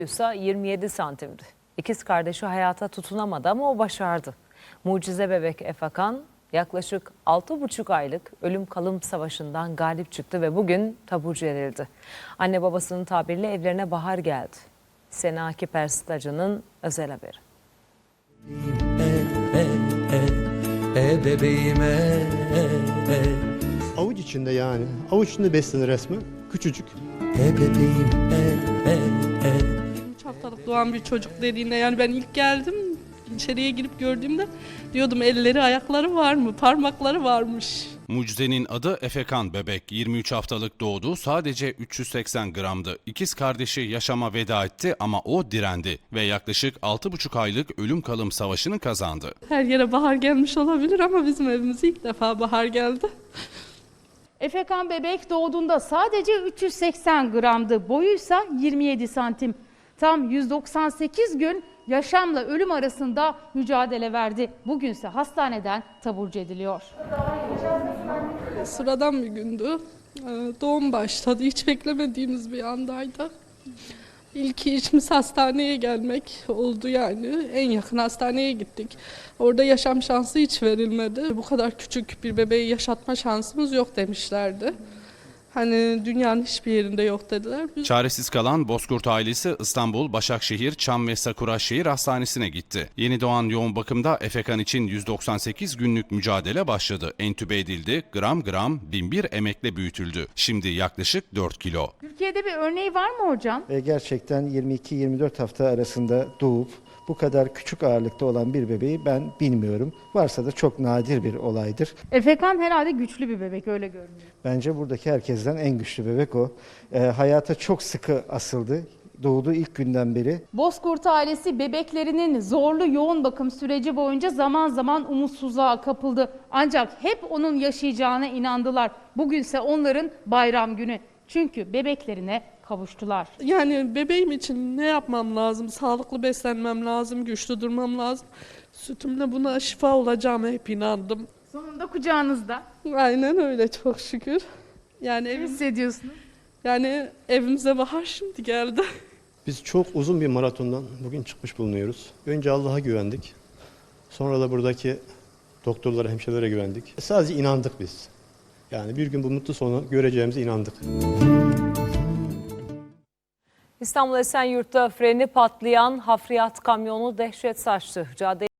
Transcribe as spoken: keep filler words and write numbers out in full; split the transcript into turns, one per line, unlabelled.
ise yirmi yedi santimdi. İkiz kardeşi hayata tutunamadı ama o başardı. Mucize bebek Efekan yaklaşık altı buçuk aylık ölüm kalım savaşından galip çıktı ve bugün taburcu edildi. Anne babasının tabiriyle evlerine bahar geldi. Sena Akif Erstacı'nın özel haberi.
E, e, e, e bebeğim e, e, e.
Avuç içinde yani. Avuç içinde beslenir resmen. Küçücük.
E bebeğim e, e, e.
üç haftalık doğan bir çocuk dediğinde yani ben ilk geldim içeriye girip gördüğümde diyordum elleri ayakları var mı, parmakları varmış.
Mucize'nin adı Efekan bebek. yirmi üç haftalık doğdu, sadece üç yüz seksen gramdı. İkiz kardeşi yaşama veda etti ama o direndi ve yaklaşık altı buçuk aylık ölüm kalım savaşını kazandı.
Her yere bahar gelmiş olabilir ama bizim evimize ilk defa bahar geldi.
Efekan bebek doğduğunda sadece üç yüz seksen gramdı, boyuysa yirmi yedi santim. Tam yüz doksan sekiz gün yaşamla ölüm arasında mücadele verdi. Bugünse hastaneden taburcu ediliyor.
Sıradan bir gündü. Doğum başladı. Hiç beklemediğimiz bir andaydı. İlk işimiz hastaneye gelmek oldu yani. En yakın hastaneye gittik. Orada yaşam şansı hiç verilmedi. Bu kadar küçük bir bebeği yaşatma şansımız yok demişlerdi. Hani dünyanın hiçbir yerinde yok dediler. Biz...
Çaresiz kalan Bozkurt ailesi İstanbul, Başakşehir, Çam ve Sakura Şehir Hastanesi'ne gitti. Yeni doğan yoğun bakımda Efekan için yüz doksan sekiz günlük mücadele başladı. Entübe edildi, gram gram bin bir emekle büyütüldü. Şimdi yaklaşık dört kilo.
Türkiye'de bir örneği var mı hocam?
Ve gerçekten yirmi iki yirmi dört hafta arasında doğup bu kadar küçük ağırlıkta olan bir bebeği ben bilmiyorum. Varsa da çok nadir bir olaydır.
Efekan herhalde güçlü bir bebek, öyle görünüyor.
Bence buradaki herkesten en güçlü bebek o. E, hayata çok sıkı asıldı. Doğduğu ilk günden beri.
Bozkurt ailesi bebeklerinin zorlu yoğun bakım süreci boyunca zaman zaman umutsuzluğa kapıldı. Ancak hep onun yaşayacağına inandılar. Bugünse onların bayram günü. Çünkü bebeklerine kavuştular.
Yani bebeğim için ne yapmam lazım? Sağlıklı beslenmem lazım, güçlü durmam lazım. Sütümle buna şifa olacağıma hep inandım.
Sonunda kucağınızda.
Aynen öyle, çok şükür. Yani
Ne
evim,
hissediyorsunuz?
yani evimize bahar şimdi geldi.
Biz çok uzun bir maratondan bugün çıkmış bulunuyoruz. Önce Allah'a güvendik. Sonra da buradaki doktorlara, hemşirelere güvendik. Sadece inandık biz. Yani bir gün bu mutlu sonu göreceğimize inandık.
İstanbul Esenyurt'ta freni patlayan hafriyat kamyonu dehşet saçtı. Cadde